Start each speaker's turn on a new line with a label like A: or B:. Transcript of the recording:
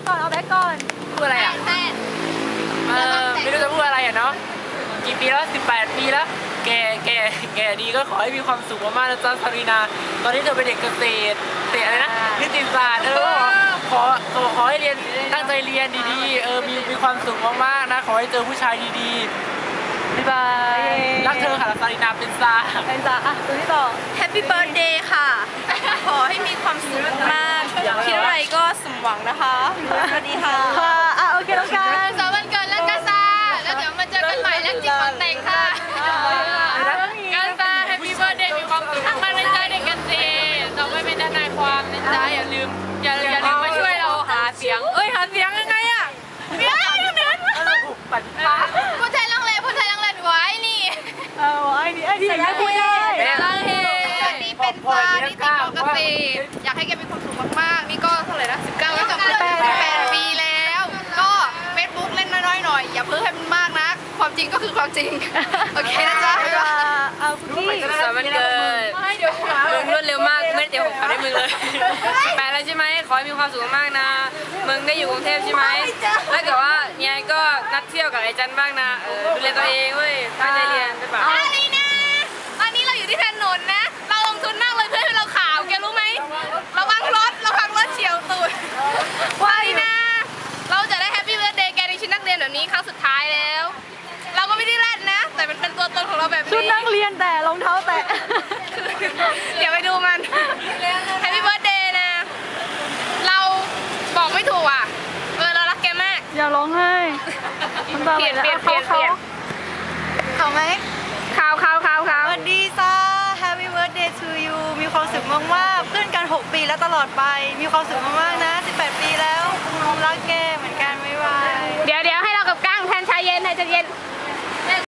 A: ก่อนเอาแบ็คก่อน
B: พูดอะไรอ่ะไม่รู้จะพูดอะไรอ่ะเนาะกี่ปีแล้ว18 ปีแล้วแกดีก็ขอให้มีความสุขมากๆนะจ๊ะซารีนาตอนนี้เธอเป็นเด็กเกษตรอะไรนะนิติศาสตร์ขอให้เรียนตั้งใจเรียนดีๆมีความสุขมากๆนะขอให้เจอผู้ชายดีๆบ๊ายบายรักเธอค่ะซารีนาเป็นซา
A: อ่ะตัวที่ต่อ
C: Happy Birthday ค่ะ ขอให้มีความสุขมากคิดอะไรก็สมหวังนะคะสวัสดีค่ะ
A: โอเคน้องการ
C: สวันเกิดแล้วกาซาแล้วเดี๋ยวมาเจอกันใหม่แล้วจิตของแต่งค่ะกาซา Happy Birthday มีความสุขมากในใจเด็กกันสิเราไม่เป็นทนายความนะจ๊ะอย่าลืมมาช่วยเราหาเสียงหาเสียงยังไงอะเดี๋ยว
B: ปั่นป้า
C: ผู้ชายลังเลไว้นี่
A: ไอ้นี่ใส่ไม่พูดได้
C: ลังเลนี่เป็นซานี่ติดปกติอยากให้แกมีความสุขมากๆนี่ก็เท่าไหร่นะ19แล้วกับ18 ปีแล้วก็เฟซบุ๊กเล่นน้อยๆหน่อยอย่าเพิ่งให้มันมากนะความจริงก็คือความจริงโอเคนะจ๊ะ
A: เอาพี่
B: สวัสดีเกิดมึงรวดเร็วมากไม่ได้เดี๋ยวผมขอได้มึงเลยไปแล้วใช่ไหมขอให้มีความสุขมากนะมึงได้อยู่กรุงเทพใช่ไหมถ้าเกิดว่าเนี่ยก็นัดเที่ยวกับไอ้จันบ้างนะดูแลตัวเองเว้ยตั้งใจเรียนไปป่ะ
C: อะไรนะตอนนี้เราอยู่ที่ถนนนะเราลงทุนมากเลยเพื่อให้เราขาวแกรู้ไหมระวังรถเฉียวตูดว่านะเราจะได้แฮปปี้เบิร์ธเดย์แกในชุดนักเรียนแบบนี้ครั้งสุดท้ายแล้วเราก็ไม่ได้แรดนะแต่มันเป็นตัวตนของเราแบบนี้
A: ชุดนักเรียนแต่รองเท้าแตะ
C: เดี๋ยวไปดูมันแฮปปี้เบิร์ธเดย์นะเราบอกไม่ถูกอ่ะเรารักแกมาก
A: อย่าร้องไห้
C: เปลี่ยนเขาไหมข่าว
A: สวัสดีจ้า Happy Birthday to you มีความสุขมากๆเพื่อนกัน6 ปีแล้วตลอดไปมีความสุขมากๆนะ18 ปีแล้วรักแกเหมือนกันบ๊ายบาย
C: เดี๋ยวให้เรากับก้างแทนชายเย็น